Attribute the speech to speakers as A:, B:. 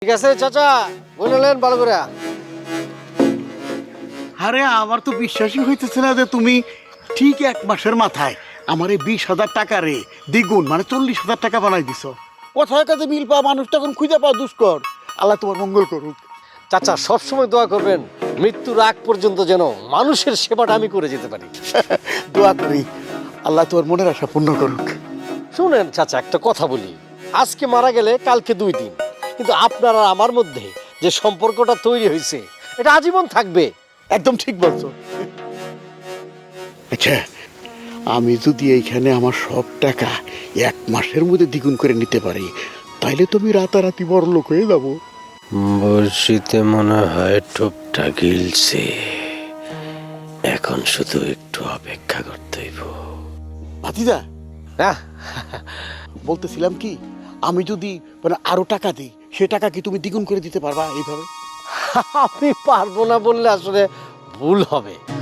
A: ঠিক আছে চাচা, বললেন ভালো করে।
B: আরে আমার তো বিশ্বাসই হইতেছে না যে তুমি ঠিক 1 মাসের মাথায় আমার এই 20,000 টাকা রে দ্বিগুণ মানে 40,000 টাকা বানাই দিছ। কোথায় কাজে মিল পাওয়া মানুষ তখন খুঁজে পাওয়া দুষ্কর। আল্লাহ তোমার মঙ্গল করুক।
A: চাচা সবসময় দোয়া করবেন মৃত্যুর আগ পর্যন্ত যেন মানুষের সেবাটা আমি করে যেতে পারি।
B: দোয়া করি আল্লাহ তোমার মনের আশা পূর্ণ করুক।
A: শুনেন চাচা, একটা কথা বলি, আজকে মারা গেলে কালকে 2 দিন, কিন্তু আপনার আর আমার মধ্যে যে সম্পর্কটা তৈরি হয়েছে এটা আজীবন থাকবে।
B: একদম ঠিক বলছো। আচ্ছা, আমি যদি এইখানে আমার সব টাকা 1 মাসের মধ্যে দ্বিগুণ করে নিতে পারি তাইলে তুমি রাতারাতি বড় লোক হয়ে যাবো।
A: বর্ষিতে মনে হয় টোপটা গিলছে, এখন শুধু একটু অপেক্ষা করতে হইব।
B: ভাতিজা, বলতেছিলাম কি, আমি যদি মানে আরো টাকা দিই সে টাকা কি তুমি দ্বিগুণ করে দিতে পারবা এইভাবে?
A: আমি পারবো না বললে আসলে ভুল হবে।